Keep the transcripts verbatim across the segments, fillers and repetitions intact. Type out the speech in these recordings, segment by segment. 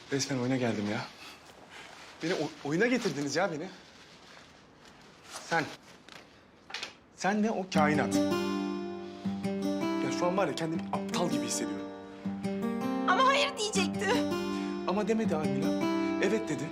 Resmen oyuna geldim ya. Beni o- oyuna getirdiniz ya beni. Sen. Sen de o kainat. Ya şu an var ya kendimi aptal gibi hissediyorum. Ama hayır diyecekti. Ama demedi Almila. Evet dedi.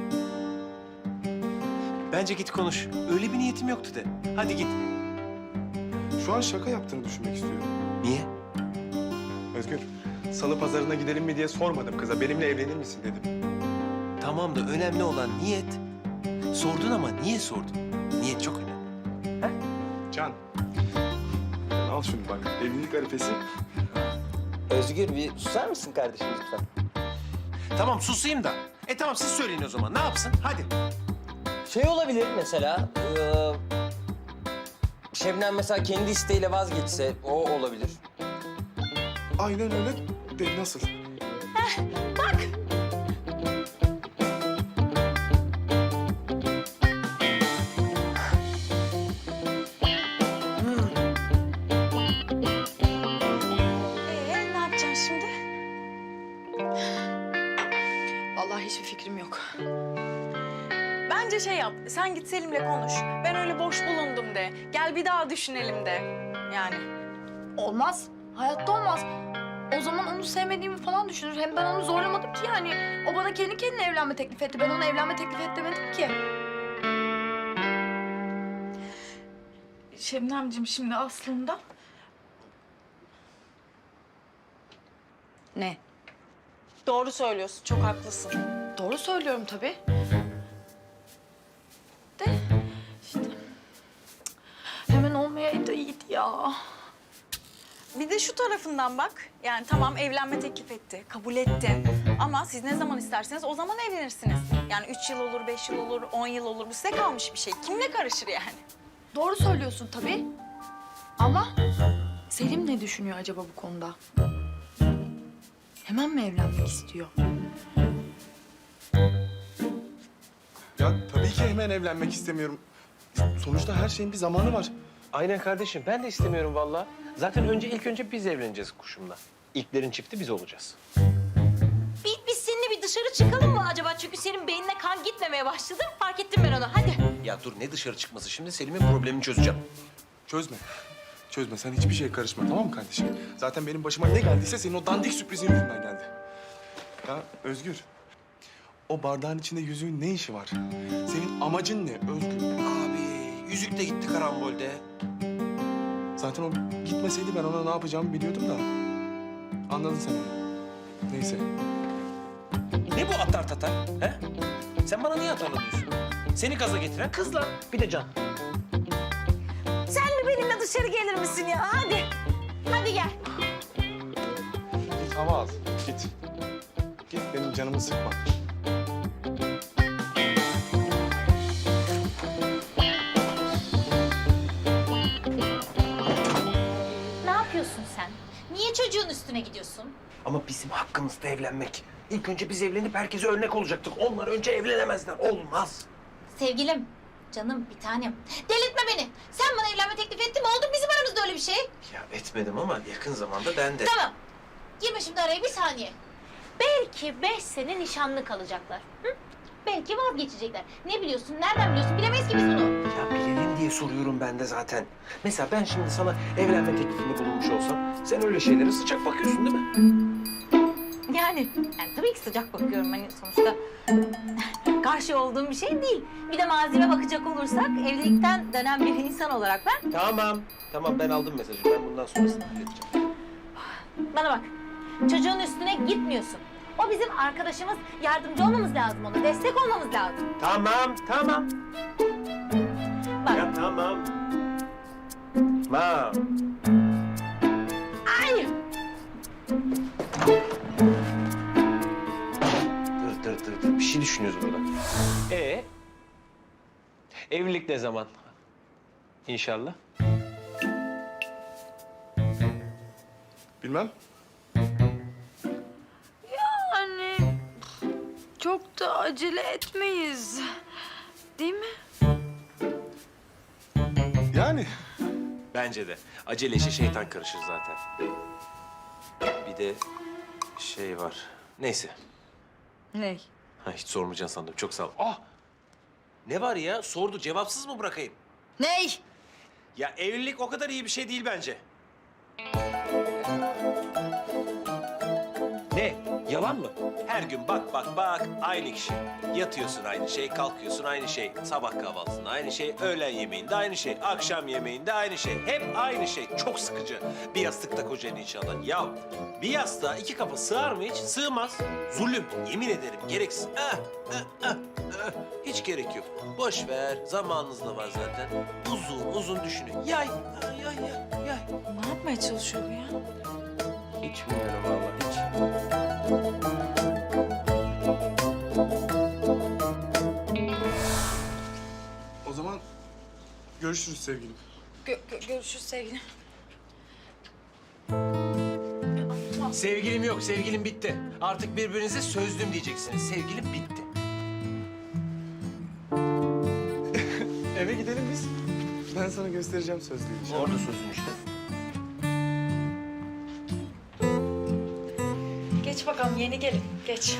Bence git konuş. Öyle bir niyetim yoktu de. Hadi git. Şu an şaka yaptığını düşünmek istiyorum. Niye? Özgür, salı pazarına gidelim mi diye sormadım kıza. Benimle evlenir misin dedim. Tamam da önemli olan niyet. Sordun ama niye sordun? Niyet çok önemli. Can. Al şunu bak. Evlilik arifesi. Özgür bir susar mısın kardeşim lütfen? Tamam susayım da. E tamam siz söyleyin o zaman. Ne yapsın? Hadi. Şey olabilir mesela, eee, Şebnem mesela kendi isteğiyle vazgeçse o olabilir. Aynen öyle. De nasıl? Ee, ne yapacaksın şimdi? Vallahi hiçbir fikrim yok. Bence şey yap, sen git Selim'le konuş. Ben öyle boş bulundum de. Gel bir daha düşünelim de. Yani. Olmaz. Hayatta olmaz. O zaman onu sevmediğimi falan düşünür. Hem ben onu zorlamadım ki yani. O bana kendi kendine evlenme teklif etti. Ben ona evlenme teklif et demedim ki. Şebnemciğim şimdi aslında... Ne? Doğru söylüyorsun, çok haklısın. Doğru söylüyorum tabii. De işte hemen olmayaydı iyiydi ya. Bir de şu tarafından bak. Yani tamam evlenme teklif etti, kabul ettin. Ama siz ne zaman isterseniz o zaman evlenirsiniz. Yani üç yıl olur, beş yıl olur, on yıl olur. Bu size kalmış bir şey. Kim ne karışır yani? Doğru söylüyorsun tabii. Ama Selim ne düşünüyor acaba bu konuda? Hemen mi evlenmek istiyor? Ya tabii ki hemen evlenmek istemiyorum. Sonuçta her şeyin bir zamanı var. Aynen kardeşim. Ben de istemiyorum vallahi. Zaten önce ilk önce biz evleneceğiz kuşumla. İlklerin çifti biz olacağız. Bir, biz seninle bir dışarı çıkalım mı acaba? Çünkü senin beynine kan gitmemeye başladı. Fark ettim ben onu. Hadi. Ya dur ne dışarı çıkması şimdi? Selim'in problemini çözeceğim. Çözme. Çözme. Sen hiçbir şeye karışma, tamam mı kardeşim? Zaten benim başıma ne geldiyse senin o dandik sürprizin yüzünden geldi. Ya Özgür, o bardağın içinde yüzüğün ne işi var? Senin amacın ne Özgür? Abi yüzük de gitti karambolde. Zaten o gitmeseydi ben ona ne yapacağımı biliyordum da. Anladın sen onu. Neyse. Ne bu atar tatar? He? Sen bana niye atarlanıyorsun? Seni gaza getiren kızla. Bir de Can. Sen de benimle dışarı gelir misin ya? Hadi. Hadi gel. Git hava al. Git. Git benim canımı sıkma. Ne yapıyorsun sen? Niye çocuğun üstüne gidiyorsun? Ama bizim hakkımızda evlenmek. İlk önce biz evlenip herkese örnek olacaktık. Onlar önce evlenemezler. Olmaz. Sevgilim, canım, bir tanem. Delirtme beni. Sen bana evlenme teklif ettin mi? Oldu mu bizim aramızda öyle bir şey? Ya etmedim ama yakın zamanda ben de. Tamam. Girme şimdi araya bir saniye. Belki beş sene nişanlı kalacaklar. Hı? Belki vazgeçecekler. Ne biliyorsun? Nereden biliyorsun? Bilemeyiz ki biz bunu. Ya bilelim diye soruyorum ben de zaten. Mesela ben şimdi sana evlenme teklifinde bulunmuş olsam... ...sen öyle şeylere sıcak bakıyorsun değil mi? Yani, yani tabii ki sıcak bakıyorum. Hani sonuçta karşı olduğum bir şey değil. Bir de malzeme bakacak olursak evlilikten dönen bir insan olarak ben... Tamam. Tamam ben aldım mesajı. Ben bundan sonrasını halledeceğim. Bana bak, çocuğun üstüne gitmiyorsun. O bizim arkadaşımız, yardımcı olmamız lazım ona, destek olmamız lazım. Tamam, tamam. Bak, Ya tamam. Tamam. ay! Dur, dur, dur, dur. Bir şey düşünüyoruz burada. Ee? Evlilik ne zaman? İnşallah. Bilmem. Yani çok da acele etmeyiz. Değil mi? Yani. Bence de. Acele işe şeytan karışır zaten. Bir de şey var. Neyse. Ney? Ha, hiç sormayacaksın sandım. Çok sağ ol. Ah! Ne var ya? Sordu. Cevapsız mı bırakayım? Ney? Ya evlilik o kadar iyi bir şey değil bence. Ne? Yalan mı? Her gün bak bak bak aynı kişi. Yatıyorsun aynı şey, kalkıyorsun aynı şey. Sabah kahvaltısında aynı şey, öğlen yemeğinde aynı şey, akşam yemeğinde aynı şey. Hep aynı şey. Çok sıkıcı. Bir yastıkta kocan inşallah. Ya bir yastığa iki kafa sığar mı hiç? Sığmaz. Zulüm. Yemin ederim gereksiz. Ah, ah, ah, ah. Hiç gerek yok. Boş ver. Zamanınız da var zaten. Uzun uzun düşünün. Yay, yay, yay, yay. yay. Ne yapmaya çalışıyor bu ya? Hiç bilmiyorum vallahi hiç. O zaman görüşürüz sevgilim. Gö- gö- görüşürüz sevgilim. Sevgilim yok, sevgilim bitti. Artık birbirinize sözlüm diyeceksiniz. Sevgilim bitti. Eve gidelim biz. Ben sana göstereceğim sözlüğü inşallah. Orada sözüm işte. Geç bakalım yeni gelin. Geç.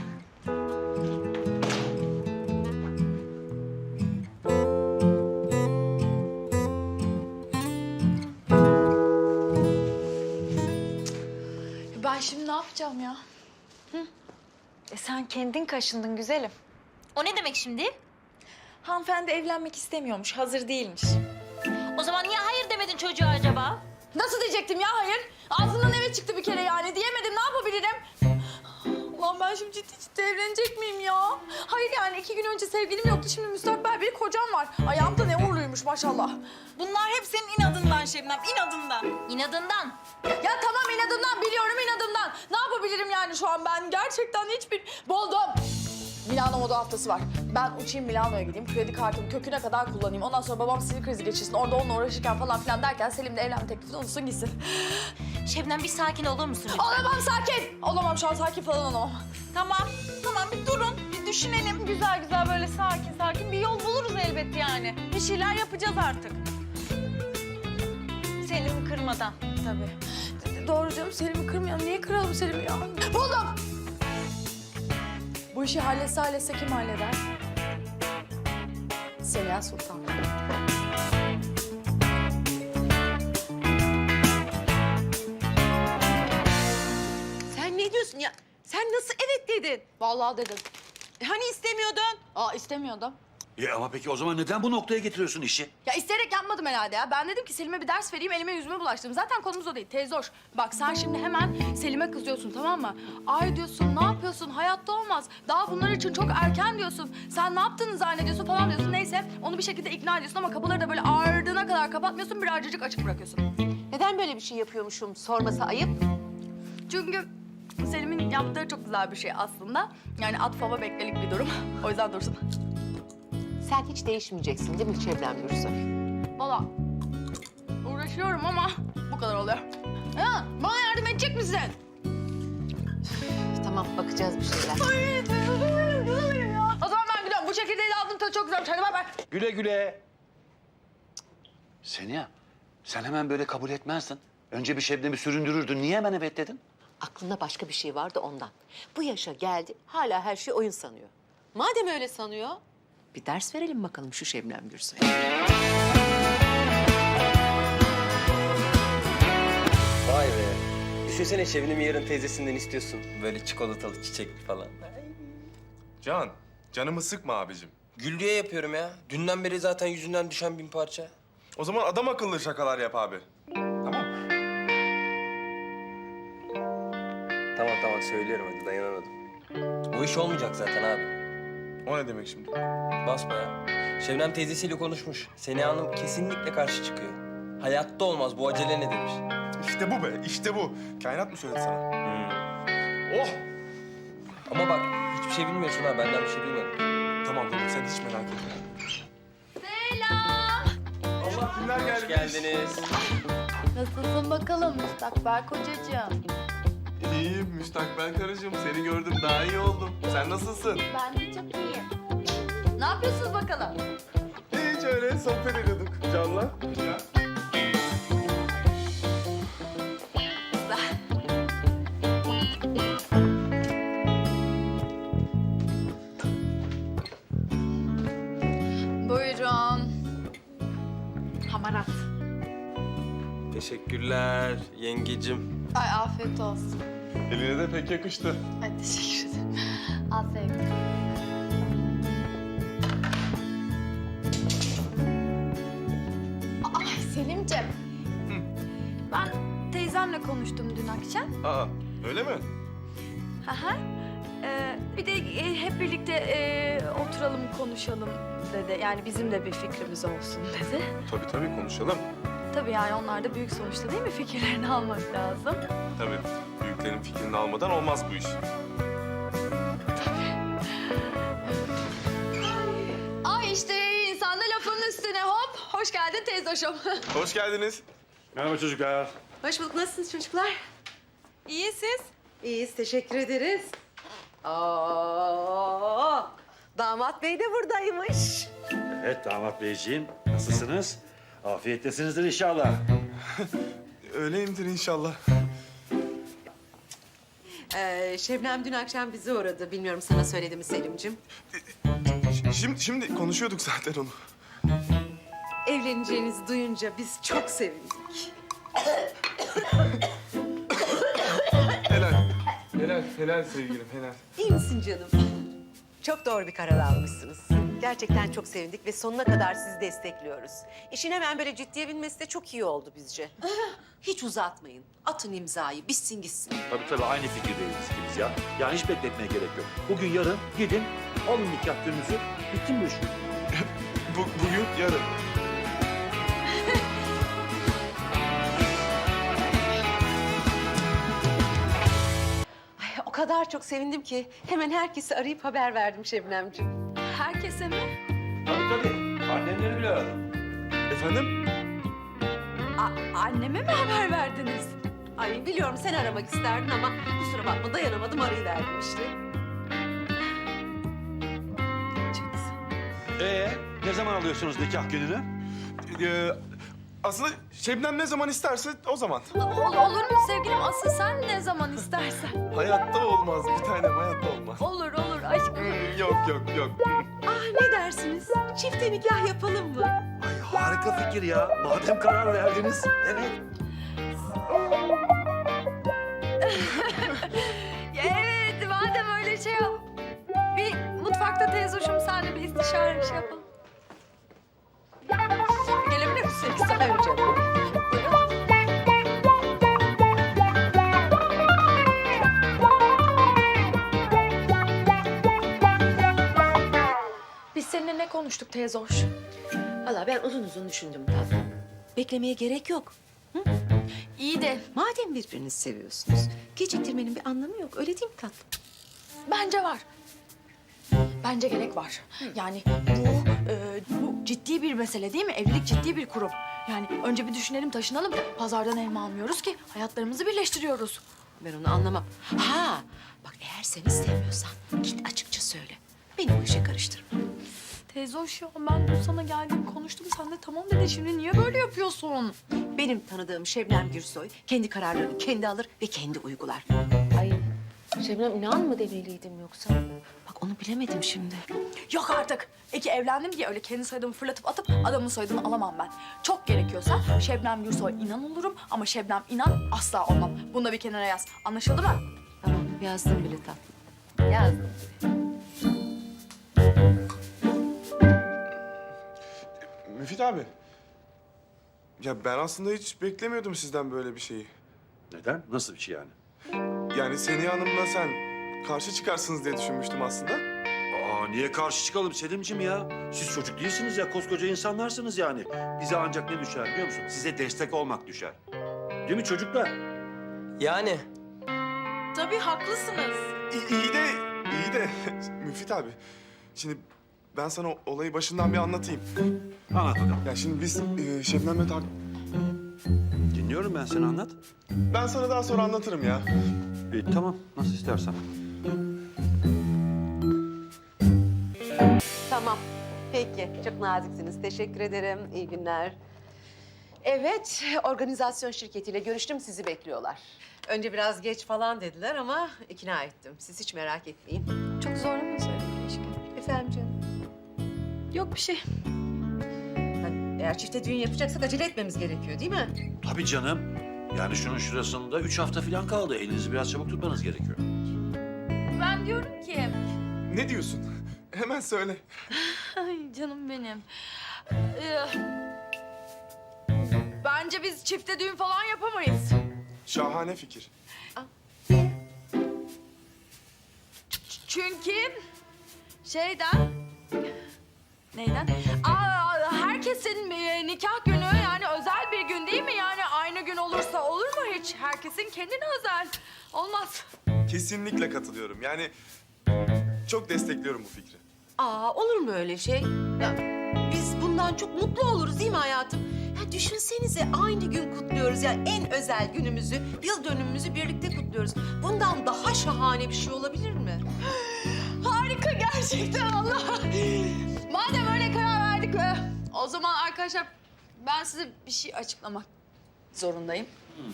Ben şimdi ne yapacağım ya? E sen kendin kaşındın güzelim. O ne demek şimdi? Hanımefendi evlenmek istemiyormuş, hazır değilmiş. O zaman niye hayır demedin çocuğa acaba? Nasıl diyecektim ya hayır? Ağzından eve çıktı bir kere yani. Diyemedim, ne yapabilirim? Ulan ben şimdi ciddi ciddi evlenecek miyim ya? Hayır yani iki gün önce sevgilim yoktu, şimdi müstakbel bir kocam var. Ayağımda ne uğurluymuş maşallah. Bunlar hep senin inadından Şebnem, inadından. İnadından. Ya tamam inadından biliyorum inadından. Ne yapabilirim yani şu an ben? Gerçekten hiçbir... Buldum. Milano moda haftası var. Ben uçayım Milano'ya gideyim. Kredi kartımı köküne kadar kullanayım. Ondan sonra babam sinir krizi geçirsin. Orada onunla uğraşırken falan filan derken Selim de evlenme teklifini unutsun gitsin. Şebnem bir sakin olur musun lütfen? Olamam sakin. Olamam şu an sakin falan olamam. Tamam, tamam bir durun, bir düşünelim. Güzel güzel böyle sakin sakin bir yol buluruz elbet yani. Bir şeyler yapacağız artık. Selim'i kırmadan tabii. Doğru canım Selim'i kırmayalım. Niye kıralım Selim'i ya? Buldum. Bu işi halletse halletse kim halleder? Seliha Sultan. Sen ne diyorsun ya? Sen nasıl evet dedin? Vallahi dedim. E hani istemiyordun? Aa istemiyordum. Ya ama peki o zaman neden bu noktaya getiriyorsun işi? Ya isteyerek yapmadım herhalde ya. Ben dedim ki Selim'e bir ders vereyim, elime yüzüme bulaştırdım. Zaten konumuz o değil, teyze hoş. Bak sen şimdi hemen Selim'e kızıyorsun tamam mı? Ay diyorsun, ne yapıyorsun? Hayatta olmaz. Daha bunlar için çok erken diyorsun. Sen ne yaptığını zannediyorsun falan diyorsun. Neyse onu bir şekilde ikna ediyorsun ama kapıları da böyle ardına kadar kapatmıyorsun. Birazcık açık bırakıyorsun. Neden böyle bir şey yapıyormuşum sorması ayıp? Çünkü Selim'in yaptığı çok güzel bir şey aslında. Yani at fava beklelik bir durum. O yüzden dursun. Sen hiç değişmeyeceksin değil mi Şebnem Gürsoy? Valla uğraşıyorum ama bu kadar oluyor. Ha, bana yardım edecek misin? Tamam bakacağız bir şeyler. Ay, canım, canım ya. O zaman ben gidiyorum. Bu çekirdeği aldım tadı çok güzelmiş. Hadi bay bay. Güle güle. Seniha, sen hemen böyle kabul etmezdin. Önce bir Şebnem'i süründürürdün. Niye hemen evet dedin? Aklında başka bir şey vardı ondan. Bu yaşa geldi hala her şey oyun sanıyor. Madem öyle sanıyor bir ders verelim bakalım şu Şebnem Gürsoy'a. Vay be. Düşünsene Şebnem'i yarın teyzesinden istiyorsun. Böyle çikolatalı, çiçekli falan. Can, canımı sıkma abicim. Güldüğe yapıyorum ya. Dünden beri zaten yüzünden düşen bin parça. O zaman adam akıllı şakalar yap abi. Tamam. Tamam tamam söylüyorum hadi dayanamadım. Bu iş olmayacak zaten abi. O ne demek şimdi? Basma ya. Şebnem teyzesiyle konuşmuş. Seniha Hanım kesinlikle karşı çıkıyor. Hayatta olmaz bu acele ne demiş. İşte bu be, işte bu. Kainat mı söyledi sana? Oh! Ama bak hiçbir şey bilmiyorsun ha benden bir şey duymadın. Tamam tamam, sen hiç merak etme. Selam. Allah kimler gelmiş? Hoş geldiniz. Nasılsın bakalım müstakbel kocacığım? İyiyim müstakbel karıcığım. Seni gördüm, daha iyi oldum. Sen nasılsın? Ben de çok iyiyim. Ne yapıyorsunuz bakalım? Hiç öyle sohbet ediyorduk Can'la. Ya. Teşekkürler yengecim. Ay afiyet olsun. Eline de pek yakıştı. Ay teşekkür ederim. Afiyet. Ay Selimciğim. Ben teyzemle konuştum dün akşam. Aa, öyle mi? Aha. Ee, bir de e, hep birlikte e, oturalım konuşalım dedi. Yani bizim de bir fikrimiz olsun dedi. Tabii tabii konuşalım. Tabii yani onlar da büyük sonuçta değil mi? Fikirlerini almak lazım. Tabii. Büyüklerin fikrini almadan olmaz bu iş. Ay işte insan da lafın üstüne hop. Hoş geldin teyzoşum. Hoş geldiniz. Merhaba çocuklar. Hoş bulduk. Nasılsınız çocuklar? İyi siz? İyiyiz. Teşekkür ederiz. Oo, damat bey de buradaymış. Evet damat beyciğim. Nasılsınız? Afiyettesinizdir inşallah. Öyleyimdir inşallah. Ee, Şebnem dün akşam bizi uğradı. Bilmiyorum sana söyledi mi Selim'cim? Ş- Şimdi, şimdi konuşuyorduk zaten onu. Evleneceğinizi duyunca biz çok sevindik. Helal. Helal, helal sevgilim, helal. İyi misin canım? Çok doğru bir karar almışsınız. Gerçekten çok sevindik ve sonuna kadar sizi destekliyoruz. İşin hemen böyle ciddiye binmesi de çok iyi oldu bizce. Hiç uzatmayın. Atın imzayı, bitsin gitsin. Tabii tabii aynı fikirdeyiz ikimiz ya. Yani hiç bekletmeye gerek yok. Bugün yarın gidin alın nikah gününüzü. Bitti mi bu iş? Bu, bugün, yarın. Ay, o kadar çok sevindim ki hemen herkesi arayıp haber verdim Şebnemciğim. Herkese mi? Tabii tabii. Annemleri bile aradım. Efendim? A- anneme mi haber verdiniz? Ay biliyorum sen aramak isterdin ama kusura bakma dayanamadım arayıverdim işte. Ee, ne zaman alıyorsunuz nikah gününü? Ee, aslında Şebnem ne zaman isterse o zaman. Ol- olur mu sevgilim? Asıl sen ne zaman istersen. Hayatta olmaz bir tanem, hayatta olmaz. Olur olur aşkım. Hmm, yok yok yok. Ah ne dersiniz? Çifte nikah yapalım mı? Ay harika fikir ya. Madem karar verdiniz. Evet. Ya evet madem öyle şey yap. Bir mutfakta teyzoşum senle bir istişare şey yapalım. Gelebilir misin? Tabii canım. Biz seninle ne konuştuk teyzoş? Valla ben uzun uzun düşündüm tatlım. Beklemeye gerek yok. İyi de Madem birbirinizi seviyorsunuz, geciktirmenin bir anlamı yok. Öyle değil mi tatlım? bence var. Bence gerek var. Yani bu, e, bu ciddi bir mesele değil mi? Evlilik ciddi bir kurum. Yani önce bir düşünelim, taşınalım. Pazardan elma almıyoruz ki hayatlarımızı birleştiriyoruz. Ben onu anlamam. Ha, bak eğer sen istemiyorsan git açıkça söyle. Beni bu işe karıştırma. Teyze hoş ya, ben dün sana geldim konuştum. Sen de tamam dedin. Şimdi niye böyle yapıyorsun? Benim tanıdığım Şebnem Gürsoy kendi kararlarını kendi alır ve kendi uygular. Ay Şebnem inan mı demeliydim yoksa? Bak onu bilemedim şimdi. Yok artık. Eki evlendim diye öyle kendi soyadımı fırlatıp atıp adamın soyadını alamam ben. Çok gerekiyorsa Şebnem Gürsoy inan olurum ama Şebnem inan asla olmam. Bunu da bir kenara yaz. Anlaşıldı mı? Tamam yazdım bile tatlım. Yazdım. Müfit abi. Ya ben aslında hiç beklemiyordum sizden böyle bir şeyi. Neden? Nasıl bir şey yani? Yani Seniha Hanım'la sen karşı çıkarsınız diye düşünmüştüm aslında. Aa niye karşı çıkalım Selim'ciğim ya? Siz çocuk değilsiniz ya, koskoca insanlarsınız yani. Bize ancak ne düşer biliyor musun? Size destek olmak düşer. Değil mi çocuklar? Yani Tabii haklısınız. İyi, iyi de, iyi de Müfit abi. Şimdi ben sana olayı başından bir anlatayım. Anlat bakalım. Ya şimdi biz e, Şebnem'le tak... Dinliyorum ben, seni anlat. Ben sana daha sonra anlatırım ya. İyi tamam, nasıl istersen. Tamam. Peki. Çok naziksiniz. Teşekkür ederim. İyi günler. Evet, organizasyon şirketiyle görüştüm. Sizi bekliyorlar. Önce biraz geç falan dediler ama ikna ettim. Siz hiç merak etmeyin. Çok zorla mı söyledim keşke? Efendim canım? Yok bir şey. Ben Eğer çifte düğün yapacaksak acele etmemiz gerekiyor değil mi? Tabii canım. Yani şunun şurasında üç hafta falan kaldı. Elinizi biraz çabuk tutmanız gerekiyor. Ben diyorum ki... Ne diyorsun? Hemen söyle. Ay canım benim. Ee, bence biz çifte düğün falan yapamayız. Şahane fikir. Çünkü şeyden... Neyden? Aa, herkesin e, nikah günü yani özel bir gün değil mi? Yani aynı gün olursa olur mu hiç? Herkesin kendine özel. Olmaz. Kesinlikle katılıyorum. Yani çok destekliyorum bu fikri. Aa olur mu öyle şey? Ya, biz bundan çok mutlu oluruz değil mi hayatım? Ya düşünsenize aynı gün kutluyoruz ya en özel günümüzü, yıl dönümümüzü birlikte kutluyoruz. Bundan daha şahane bir şey olabilir mi? Harika gerçekten Allah. Madem öyle karar verdik e, o zaman arkadaşlar ben size bir şey açıklamak zorundayım.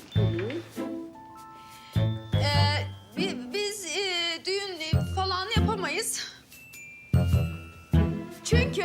Ee, bi- biz e, düğün e, falan yapamayız. Çünkü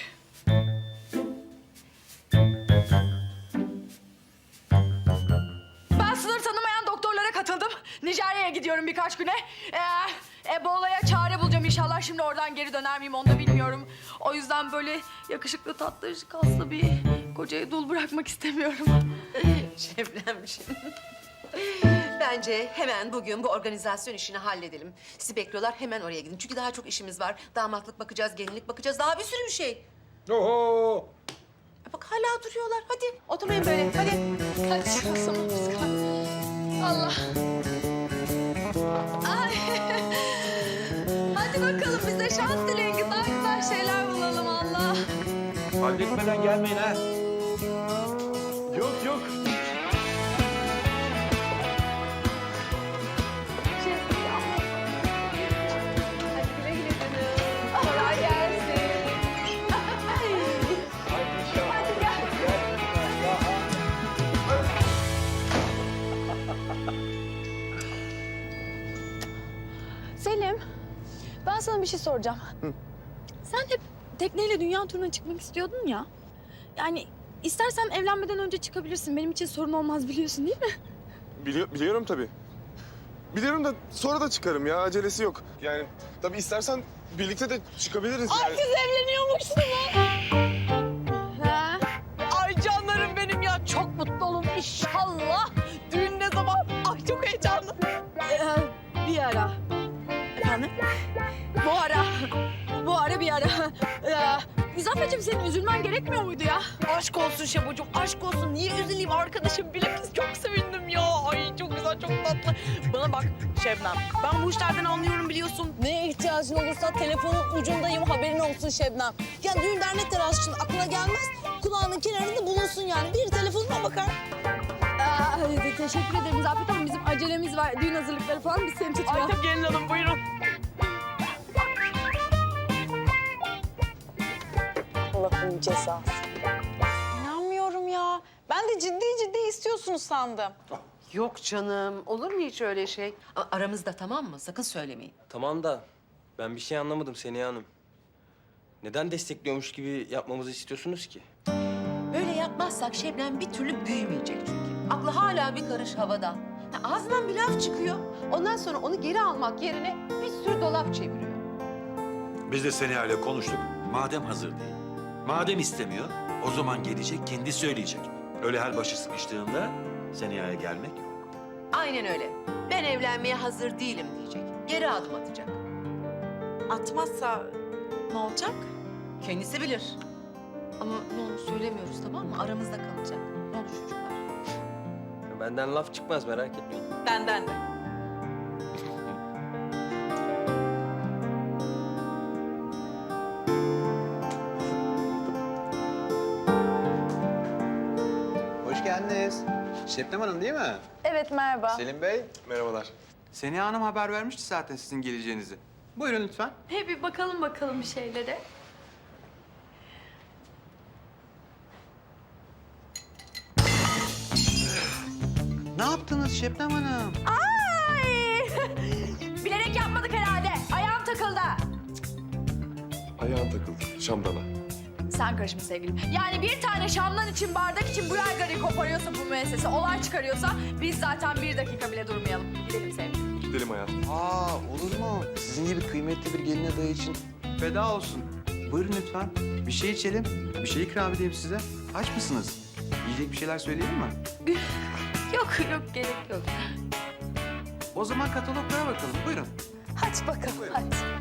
ben sınır tanımayan doktorlara katıldım. Nijerya'ya gidiyorum birkaç güne. Ee, Ebola'ya çare bulacağım inşallah. Şimdi oradan geri döner miyim onu da bilmiyorum. O yüzden böyle yakışıklı, tatlı, kaslı bir kocayı dul bırakmak istemiyorum. Şebnemciğim. Bence hemen bugün bu organizasyon işini halledelim. Sizi bekliyorlar, hemen oraya gidin. Çünkü daha çok işimiz var. Damatlık bakacağız, gelinlik bakacağız. Daha bir sürü bir şey. Oho! Bak hala duruyorlar. Hadi oturmayın böyle. Hadi. Hadi çıkalım biz kalk. Allah. Ay. Hadi bakalım bize şans dileyin. Güzel güzel şeyler bulalım Allah. Halletmeden gelmeyin ha. Yok yok. Kolay gelsin. Hadi gel. Selim, ben sana bir şey soracağım. Sen hep tekneyle dünya turuna çıkmak istiyordun ya. Yani istersen evlenmeden önce çıkabilirsin. Benim için sorun olmaz biliyorsun değil mi? Bili- biliyorum tabii. Biliyorum da sonra da çıkarım ya. Acelesi yok. Yani tabii istersen birlikte de çıkabiliriz yani. Siz evleniyormuşsunuz. Ha? Ay canlarım benim ya. Çok mutlu olun inşallah. Düğün ne zaman? Ay çok heyecanlı. Ee, bir ara. Efendim? Bu ara. Bu ara bir ara. Ee, İzafet'ciğim senin üzülmen gerekmiyor muydu ya? Aşk olsun Şebocuğum, aşk olsun. Niye üzüleyim arkadaşım? Bilakis çok sevindim ya. Ay çok güzel, çok tatlı. Bana bak Şebnem, ben bu işlerden anlıyorum biliyorsun. Neye ihtiyacın olursa telefonun ucundayım, haberin olsun Şebnem. Ya düğün dernek telaşı için aklına gelmez, kulağının kenarında bulunsun yani. Bir telefonuna bakar. Ee, teşekkür ederim İzafet ama bizim acelemiz var. Düğün hazırlıkları falan biz seni Ay tutmayalım. tabii gelin hanım, buyurun. Allah'ın cezası. İnanmıyorum ya. Ben de ciddi ciddi istiyorsunuz sandım. Yok canım. Olur mu hiç öyle şey? A- aramızda tamam mı? Sakın söylemeyin. Tamam da ben bir şey anlamadım Seniha Hanım. Neden destekliyormuş gibi yapmamızı istiyorsunuz ki? Böyle yapmazsak Şebnem bir türlü büyümeyecek çünkü. Aklı hala bir karış havada. Ya ağzından bir laf çıkıyor. Ondan sonra onu geri almak yerine bir sürü dolap çeviriyor. Biz de Seniha ile konuştuk. Madem hazır değil, madem istemiyor, o zaman gelecek, kendi söyleyecek. Öyle her başı sıkıştığında Seniha'ya gelmek yok. Aynen öyle. Ben evlenmeye hazır değilim diyecek. Geri adım atacak. Atmazsa ne olacak? Kendisi bilir. Ama ne olur söylemiyoruz tamam mı? Aramızda kalacak. Ne olur çocuklar. Benden laf çıkmaz merak etmeyin. Benden de. Hoş geldiniz. Şebnem Hanım değil mi? Evet merhaba. Selim Bey. Merhabalar. Seniha Hanım haber vermişti zaten sizin geleceğinizi. Buyurun lütfen. He bir bakalım bakalım bir şeylere. Ne yaptınız Şebnem Hanım? Ay! Bilerek yapmadık herhalde. Ayağım takıldı. Ayağın takıldı şamdana. Sen karışma sevgilim. Yani bir tane şamdan için, bardak için bu yaygarayı koparıyorsa bu müessese, olay çıkarıyorsa biz zaten bir dakika bile durmayalım. Gidelim sevgilim. Gidelim hayatım. Aa olur mu? Sizin gibi kıymetli bir gelin adayı için feda olsun. Buyurun lütfen. Bir şey içelim. Bir şey ikram edeyim size. Aç mısınız? Yiyecek bir şeyler söyleyelim mi? Yok yok gerek yok. O zaman kataloglara bakalım. Buyurun. Hadi bakalım hadi.